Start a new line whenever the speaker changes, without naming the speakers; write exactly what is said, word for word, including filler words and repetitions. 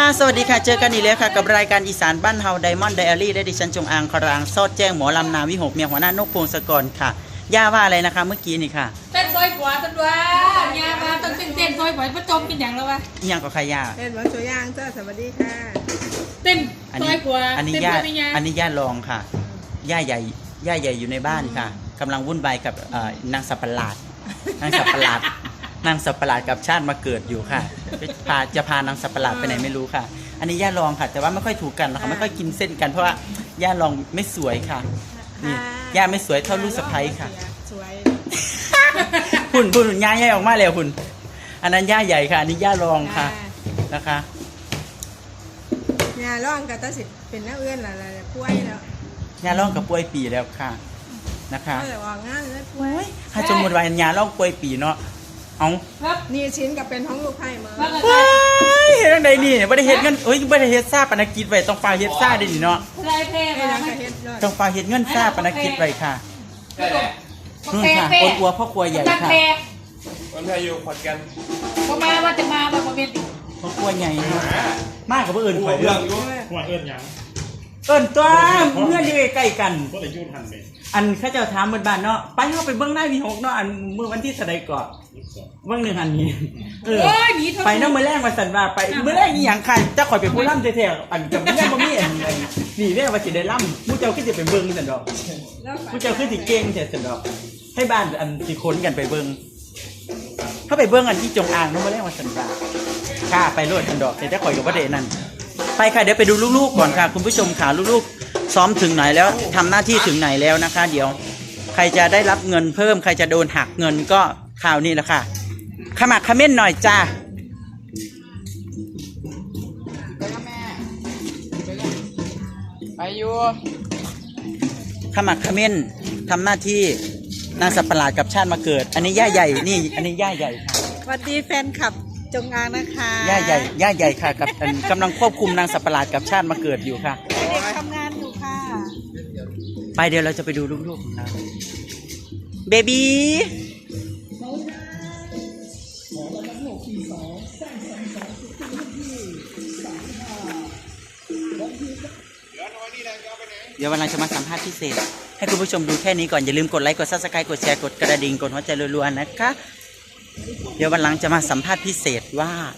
สวัสดีค่ะเจอกันอีกแล้วค่ะกับรายการอีสานบ้านเฮาไดมอนด์ไดอารี่ได้ดิฉันจงอางครางซอดแจ้งหมอลำนาวิหกเมียหัวหน้านกพงศกรค่ะย่าว่าอะไรนะคะเมื่อกี้นี่ค่ะ
เต้นซอยขวาต้นว่ายามาต้องเต้นเต้นซอยขวาพระจมกินอย่างแล้ววะ
อีหยังก็ค่ะย่า
เต้นหวานสวยย่างเจ้าสวัสดีค่ะ
เต้นซอยขวา
อันนี้ย่าอันนี้ย่าลองค่ะย่าใหญ่ย่าใหญ่อยู่ในบ้านค่ะกำลังวุ่นวายกับนางสับปะหลาดนางสับปะหลาดนางสับปะหลาดกับชาติมาเกิดอยู่ค่ะพาจะพานางสับปะหลาดไปไหนไม่รู้ค่ะอันนี้ย่าลองค่ะแต่ว่าไม่ค่อยถูกกันนะคะไม่ค่อยกินเส้นกันเพราะว่าย่าลองไม่สวยค่ะนี่ย่าไม่สวยเท่าลูกสะใภ้ค่ะ
สวย
หุ่นหุ่นย่าใหญ่ออกมาแล้วหุ่นอันนั้นย่าใหญ่ค่ะอันนี้ย่าลองค่ะนะคะ
ย่าร้องกับตาสิเป็นน้าเอื้อนอะไรป่วยแล้ว
ย่าลองกับป่วยปีแล้วค่ะนะคะ
แต่ว่างานแล้วป่วย
ถ้าสมมติว่าย่าลองป่วยปีเนาะเอา
นี่ชิ้นกับเป็นท้องลูกไผ่มา
ว้ายเฮ็ดจังไดนี่บ่ได้เฮ็ดเงินเอ้ยบ่ได้เฮ็ดซ่าปนกิจไว้ต้องฝากเฮ็ดซ่าได้ดิเนาะต้องฝากเฮ็ดเงินซ่าปนกิจไว้ค่ะนู่นค่ะคนอัวพ่อครัวใหญ่ค่ะ
คนไทยอยู่ขอนแก่น
พอมาว่าจะมาแบบเป็น
พ่อครัวใหญ่มากกว่าผู้อื่นข่อย
เรื่
เรื่
อ
อง ง
หัวเอิ้นยัง
เอิ้นตัวเมื่ออยู่ใกล้กัน
ก็เลยยุ่งทันไป
อันเขาเจ้าถามบ้านๆเนาะไปเฮาไปเบิ่งได้มีหกเนาะอันมื้อวันที่เท่าใดก่อนเบิ่งหนึ่งอันนี้เออไปเนาะมื้อแรกว่าซั่นว่าไปมื้อแรกอีหยังค่ะจะข่อยเป็นผู้ล่ำแท้ๆอันกับแม่บ่มีอันนี่แม่ว่าสิได้ล่ำผู้เจ้าคือสิไปเบิ่งซั่นดอกผู้เจ้าคือสิเก่งแท้ซั่นดอกให้บ้านอันสิคนกันไปเบิ่งถ้าไปเบิ่งอันที่จงอางเนาะมื้อแรกว่าซั่นว่าค่ะไปโลดซั่นดอกแต่ข่อยก็บ่ได้นั่นไปค่ะเดี๋ยวไปดูลูกๆก่อนค่ะคุณผู้ชมค่ะลูกๆซ้อมถึงไหนแล้วทำหน้าที่ถึงไหนแล้วนะคะเดี๋ยวใครจะได้รับเงินเพิ่มใครจะโดนหักเงินก็ข่าวนี้แหละค่ะขมักขม้นหน่อยจ้า
ไปอยู่
ขมักขม้นทำหน้าที่นางสับประหลาดกับชาติมาเกิดอันนี้ย่าใหญ่นี่อันนี้ย่าใหญ่ค่ะ
สวัสดีแฟนคลับจงอางนะคะ
ย่าใหญ่ย่าใหญ่ค่ะกับกำลังควบคุมนางสับประหลาดกับชาติมาเกิดอยู่ค่ะ
เด็กทำงานอยู่ค่ะ
ไปเดี๋ยวเราจะไปดูลูกๆของเราเบบีเดี๋ยววันหลังจะมาสัมภาษณ์พิเศษให้คุณผู้ชมดูแค่นี้ก่อนอย่าลืมกดไลค์กดซับสไครต์กดแชร์กดกระดิ่งกดหัวใจรัวๆนะคะเดี๋ยววันหลังจะมาสัมภาษณ์พิเศษว่า